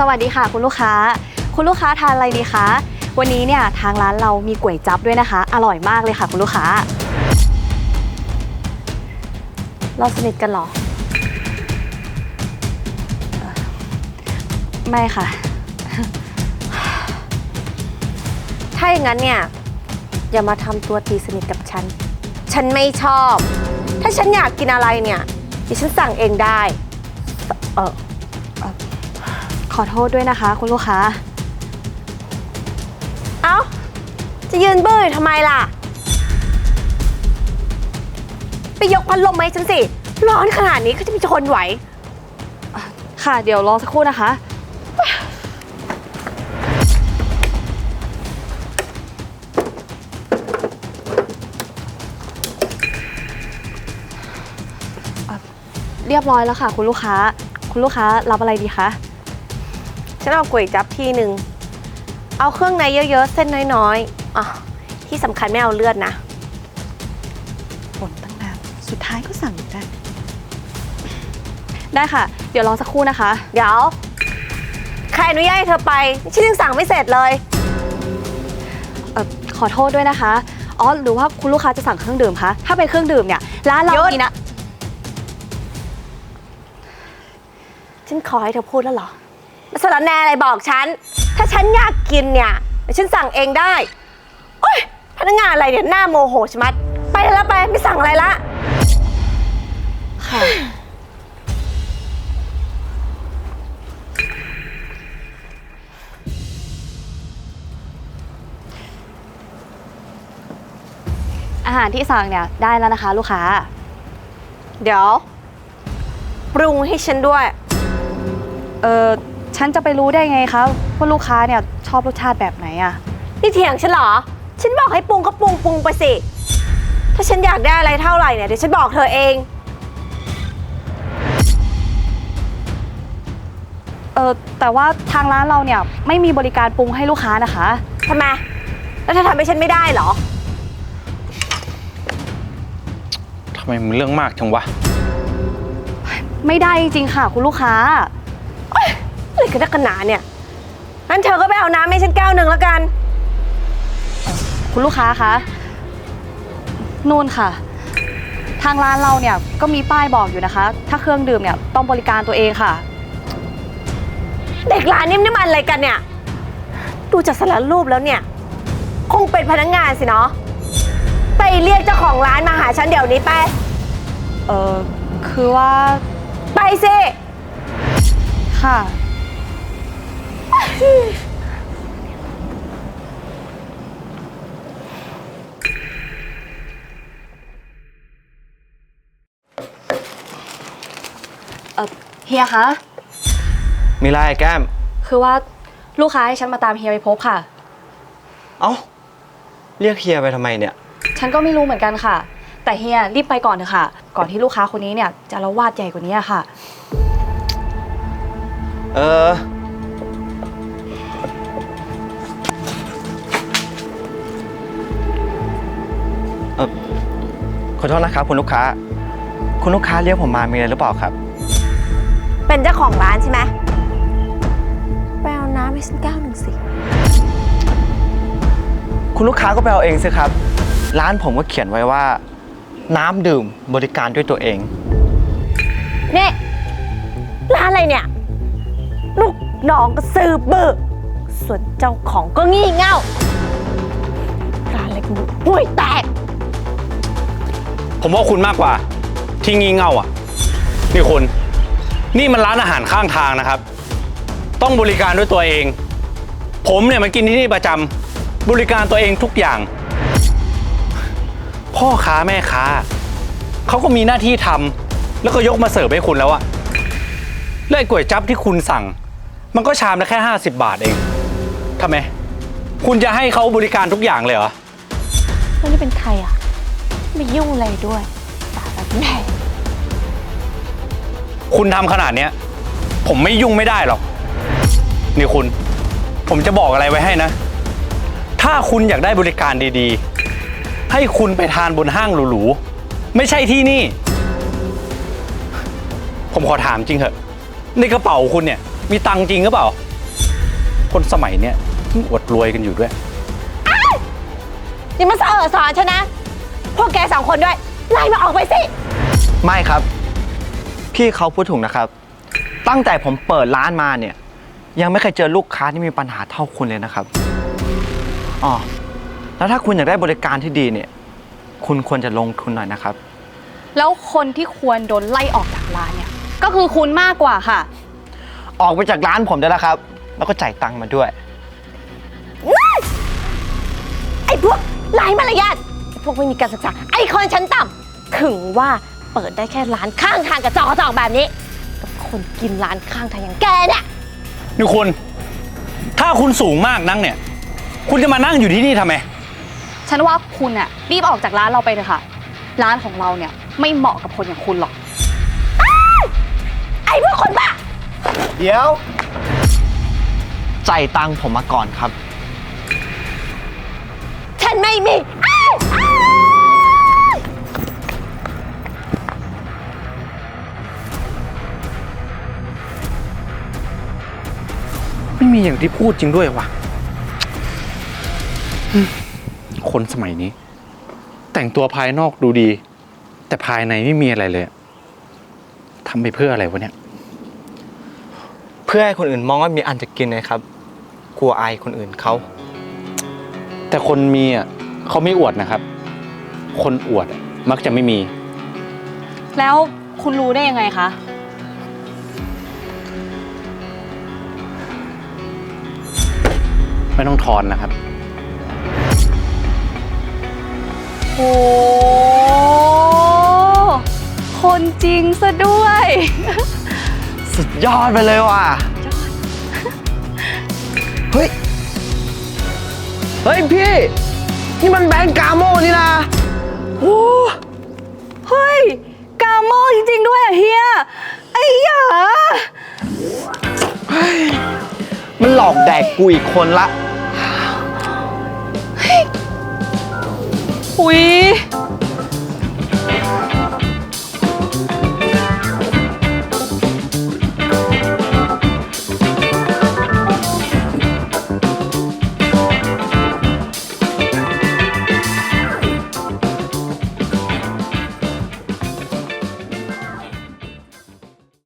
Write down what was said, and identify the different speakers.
Speaker 1: สวัสดีค่ะคุณลูกค้าคุณลูกค้าทานอะไรดีคะวันนี้เนี่ยทางร้านเรามีก๋วยจั๊บด้วยนะคะอร่อยมากเลยค่ะคุณลูกค้าเราสนิทกันหรอไม่ค่ะ
Speaker 2: ถ้าอย่างนั้นเนี่ยอย่ามาทำตัวตีสนิทกับฉันไม่ชอบ ถ้าฉันอยากกินอะไรเนี่ยดิฉันสั่งเองได้
Speaker 1: ขอโทษด้วยนะคะคุณลูกค้า
Speaker 2: เอ้าจะยืนเบื่อทำไมล่ะไปยกพัดลมมาให้ฉันสิร้อนขนาดนี้ก็จะมีทนไหว
Speaker 1: ค่ะเดี๋ยวรอสักครู่นะคะเรียบร้อยแล้วค่ะคุณลูกค้ารับอะไรดีคะ
Speaker 2: ฉันเอาก๋วยจั๊บที่หนึ่งเอาเครื่องในเยอะๆเส้นน้อยๆอ๋อที่สำคัญไม่เอาเลือดนะ
Speaker 1: บ่นตั้งนานสุดท้ายก็สั่งได้ค่ะเดี๋ยวรอสักครู่นะคะ
Speaker 2: เดี๋ยวใครอนุญาตให้เธอไปฉันยังสั่งไม่เสร็จเลย
Speaker 1: ขอโทษด้วยนะคะอ๋อหรือว่าคุณลูกค้าจะสั่งเครื่องดื่มคะถ้าเป็นเครื่องดื่มเนี่ยร้านเรามีนะ
Speaker 2: ฉันขอให้เธอพูดแล้วเหรอมาสารแนอะไรบอกฉันถ้าฉันอยากกินเนี่ยฉันสั่งเองได้โอ๊ยพนักงานอะไรเนี่ยหน้าโมโหชะมัดไปแล้วไปไม่สั่งอะไรละ
Speaker 1: ค่ะอาหารที่สั่งเนี่ยได้แล้วนะคะลูกค้า
Speaker 2: เดี๋ยวปรุงให้ฉันด้วย
Speaker 1: ฉันจะไปรู้ได้ไงคะว่าลูกค้าเนี่ยชอบรสชาติแบบไหนอะ
Speaker 2: นี่เถียงฉันเหรอฉันบอกให้ปรุงก็ปรุงไปสิถ้าฉันอยากได้อะไรเท่าไหร่เนี่ยเดี๋ยวฉันบอกเธอเอง
Speaker 1: แต่ว่าทางร้านเราเนี่ยไม่มีบริการปรุงให้ลูกค้านะคะ
Speaker 2: ทำไมแล้วเธอทำให้ฉันไม่ได้เหรอ
Speaker 3: ทำไมมันเรื่องมากจังวะ
Speaker 1: ไม่ได้จริงๆค่ะคุณลูกค้า
Speaker 2: อะไรกันนักกันหนาเนี่ยงั้นเธอก็ไปเอาน้ำให้ฉันแก้วหนึ่งแล้วกัน
Speaker 1: คุณลูกค้าคะนู่นค่ะทางร้านเราเนี่ยก็มีป้ายบอกอยู่นะคะถ้าเครื่องดื่มเนี่ยต้องบริการตัวเองค่ะ
Speaker 2: เด็กร้านนี่มันอะไรกันเนี่ยดูจากสารรูปแล้วเนี่ยคงเป็นพนักงานสิเนาะไปเรียกเจ้าของร้านมาหาฉันเดี๋ยวนี้ไป
Speaker 1: คือว่า
Speaker 2: ไปสิ
Speaker 1: ค่ะเฮียคะ
Speaker 3: มีไรแก้ม
Speaker 1: คือว่าลูกค้าให้ฉันมาตามเฮียไปพบค่ะ
Speaker 3: เอ้าเรียกเฮียไปทำไมเนี่ย
Speaker 1: ฉันก็ไม่รู้เหมือนกันค่ะแต่เฮียรีบไปก่อนเถอะค่ะก่อนที่ลูกค้าคนนี้เนี่ยจะละวาดใหญ่กว่านี้ค่ะ
Speaker 3: ขอโทษนะครับคุณลูกค้าเรียกผมมามีอะไรหรือเปล่าครับ
Speaker 2: เป็นเจ้าของร้านใช่ไหมไปเอาน้ำให้ฉันแก้วหนึ่งสิ
Speaker 3: คุณลูกค้าก็ไปเอาเองสิครับร้านผมก็เขียนไว้ว่าน้ำดื่มบริการด้วยตัวเอง
Speaker 2: นี่ร้านอะไรเนี่ยลูกน้องก็ซื้อบื้อส่วนเจ้าของก็งี่เง่าร้านอะไรกันห่วยแตก
Speaker 3: ผมว่าคุณมากกว่าที่งี่เง่าอ่ะนี่คุณนี่มันร้านอาหารข้างทางนะครับต้องบริการด้วยตัวเองผมเนี่ยมากินที่นี่ประจำบริการตัวเองทุกอย่างพ่อค้าแม่ค้าเขาก็มีหน้าที่ทำแล้วก็ยกมาเสิร์ฟให้คุณแล้วอะแล้วไอ้ก๋วยจั๊บที่คุณสั่งมันก็ชามละแค่50 บาทเองทำไมคุณจะให้เขาบริการทุกอย่างเลยเหรอ
Speaker 2: แล้วนี่เป็นใครอะไม่ยุ่งอะไรด้วยตาแบบแม่
Speaker 3: คุณทำขนาดเนี้ยผมไม่ยุ่งไม่ได้หรอกนี่คุณผมจะบอกอะไรไว้ให้นะถ้าคุณอยากได้บริการดีๆให้คุณไปทานบนห้างหรูๆไม่ใช่ที่นี่ผมขอถามจริงเถอะในกระเป๋าคุณเนี่ยมีตังค์จริงหรือเปล่าคนสมัยเนี้ยเพิ่งอวดรวยกันอยู่ด้วย
Speaker 2: นี่มันสอนฉันนะ พวกแกสองคนด้วย ไล่มาออกไปสิ
Speaker 4: ไม่ครับ พี่เขาพูดถูกนะครับ ตั้งแต่ผมเปิดร้านมาเนี่ย ยังไม่เคยเจอลูกค้าที่มีปัญหาเท่าคุณเลยนะครับอ๋อแล้วถ้าคุณอยากได้บริการที่ดีเนี่ย คุณควรจะลงทุนหน่อยนะครับ
Speaker 1: แล้วคนที่ควรโดนไล่ออกจากร้านเนี่ย ก็คือคุณมากกว่าค่ะ
Speaker 4: ออกไปจากร้านผมได้แล้วครับ แล้วก็จ่ายตังค์มาด้วย
Speaker 2: ไอ้พวกไร้มารยาทไอ้พวกไม่มีการศึกษา ไอ้คนชั้นต่ำถึงว่าเปิดได้แค่ร้านข้างทางกระจอกแบบนี้กับคนกินร้านข้างทางอย่างแกเนี่ย
Speaker 3: นี่คุณ ถ้าคุณสูงมากนักเนี่ย คุณจะมานั่งอยู่ที่นี่ทำไม
Speaker 1: ฉันว่าคุณอะรีบออกจากร้านเราไปเลยค่ะ ร้านของเราเนี่ยไม่เหมาะกับคนอย่างคุณหรอก
Speaker 2: ไอ้พวกคนบ้า
Speaker 4: เดี๋ยว จ่ายตังค์ผมมาก่อนครับ
Speaker 2: ฉันไม่มี
Speaker 3: ไม่มีอย่างที่พูดจริงด้วยวะคนสมัยนี้ แต่งตัวภายนอกดูดี แต่ภายในไม่มีอะไรเลยทำไปเพื่ออะไรวะเนี่ย
Speaker 4: เพื่อให้คนอื่นมองว่ามีอันจะกินนะครับ กลัวอายคนอื่นเขา
Speaker 3: แต่คนมีอ่ะเขาไม่อวดนะครับ คนอวดมักจะไม่มี
Speaker 1: แล้วคุณรู้ได้ยังไงคะ
Speaker 3: ไม่ต้องทอนนะครับ
Speaker 1: โอ้คนจริงซะด้วย
Speaker 4: สุดยอดไปเลยว่ะ เฮ้ย เฮ้ยพี่ นี่มันแบงก์กาโมนี่นะโอ้
Speaker 1: เฮ้ย กาโมจริงๆด้วยอะเฮีย ไอ้หยา
Speaker 4: มันหลอกแดกกูอีกคนละ
Speaker 1: อุ๊ย